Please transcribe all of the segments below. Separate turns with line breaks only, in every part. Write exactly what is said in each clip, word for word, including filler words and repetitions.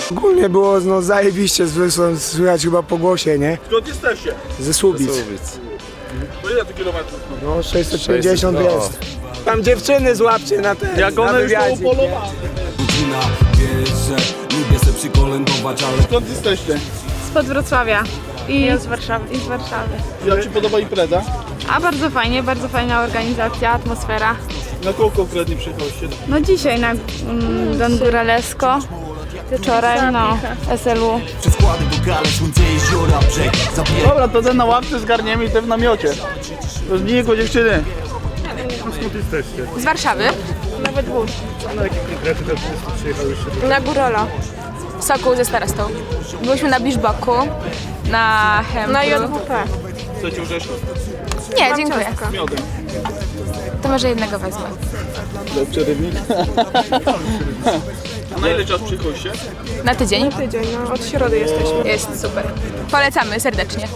Ogólnie było no, zajebiście, z- słychać chyba po głosie, nie?
Skąd jesteście?
Ze Słubic.
To ile to kilometrów?
No sześćset pięćdziesiąt jest. Tam dziewczyny złapcie na ten,
Jak
na
one już są
wywiadzik, nie?
upolowane.
Godzina, wiesz, że lubię se przykolędować, ale
Skąd jesteście?
Spod Wrocławia i z Warszawy. I z Warszawy.
Jak ci podoba impreza?
A bardzo fajnie, bardzo fajna organizacja, atmosfera.
Na kogo konkretnie przyjechaliście?
No dzisiaj na mm, Don Góralesko, wieczorem no S L U.
przez składy wokale, słońce, jeziora, brzeg. Zabijaj
Dobra, to ten na ławce zgarniemy i ten w namiocie. To z niego dziewczyny.
Z Warszawy.
Nawet dwóch.
Na Górolo. Sokół ze starostą. Byliśmy na Biszboku, na Hembru.
Na J W P.
Chcecie orzeszki?
Nie, dziękuję.
Z miodem.
To może jednego wezmę.
Dla przerywnik. A na ile czas przyjechaliście?
Na tydzień.
Tydzień, no od środy jesteśmy.
Jest super. Polecamy serdecznie.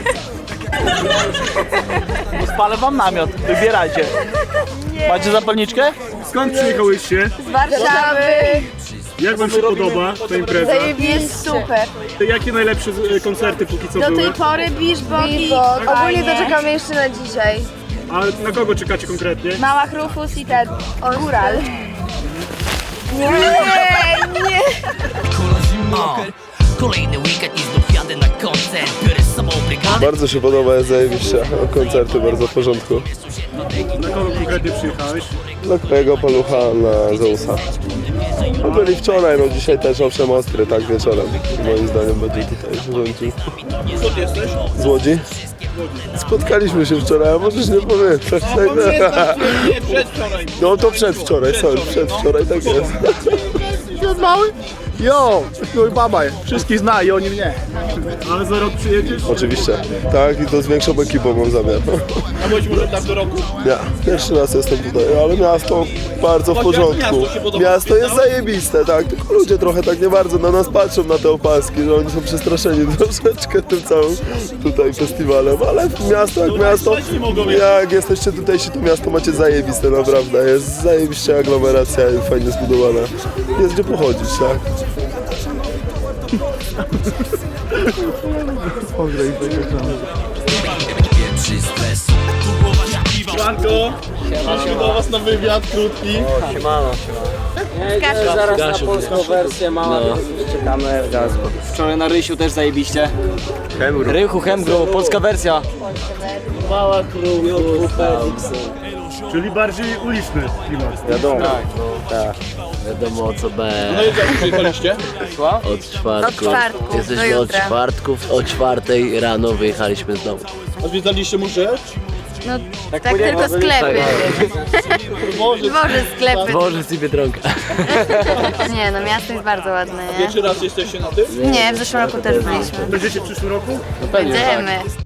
No spalę wam namiot, wybierajcie. Macie zapalniczkę?
Skąd przyjechałyście?
Z Warszawy.
Jak wam się podoba ta impreza?
Jest super.
Jakie najlepsze e, koncerty póki co
Do
były?
tej pory Biszboki. Ogólnie to czekamy jeszcze na dzisiaj.
A na kogo czekacie konkretnie?
Małach Rufus i ten Góral. Nie, nie.
kola zimno.
Kolejny weekend i znów jadę na koncert. Biorę z sobą brygadę.
Bardzo się podoba, jest zajebiście. Koncerty bardzo w porządku.
Na kogo konkretnie przyjechałeś?
Dla twojego palucha na Zeusa. No byli wczoraj, no dzisiaj też owszem ostry, tak wieczorem. Moim zdaniem będzie tutaj rządził.
Skąd jesteś?
Z Łodzi? Spotkaliśmy się wczoraj, a możesz nie pamiętać.
Nie, przedwczoraj.
No to przedwczoraj, sorry, przedwczoraj, tak jest.
Świat mały? Jo, mój baba, wszystkich zna i oni mnie.
Ale za rok przyjedziesz?
Oczywiście, tak i to z większą ekipą mam zamiar.
A być może tak do roku?
Ja, pierwszy raz jestem tutaj, ale miasto bardzo w porządku.
Miasto się podoba?
Miasto jest zajebiste, tak, tylko ludzie trochę tak nie bardzo na nas patrzą, na te opaski, że oni są przestraszeni troszeczkę tym całym tutaj festiwalem, ale miasto jak miasto, jak jesteście tutejsi, to miasto macie zajebiste, naprawdę, jest zajebiście aglomeracja i fajnie zbudowana. Jest gdzie pochodzić, tak.
Pierwszy stres.
Franko, przyszły do was na wywiad krótki.
Zaraz na polską wersję mała, czekamy. Wczoraj na Rysiu też zajebiście. Rychu, Hemgru, polska wersja. Mała krówka.
Czyli bardziej uliczny klimat.
Wiadomo. Tak, tak. Wiadomo o co będzie.
No i jak przyjechaliście?
Od czwartku.
Od czwartku
Jesteśmy
do
od
jutra.
czwartków, o czwartej rano wyjechaliśmy znowu.
A zwiedzaliście muszę?
No tak tylko sklepy.
Może.
Dworzy sklepy.
Dworzec i Biedronka.
Nie no, miasto jest bardzo ładne, nie?
Pierwszy raz jesteście na tym?
Nie, w zeszłym roku też byliśmy.
Będziecie w przyszłym roku?
Będziemy.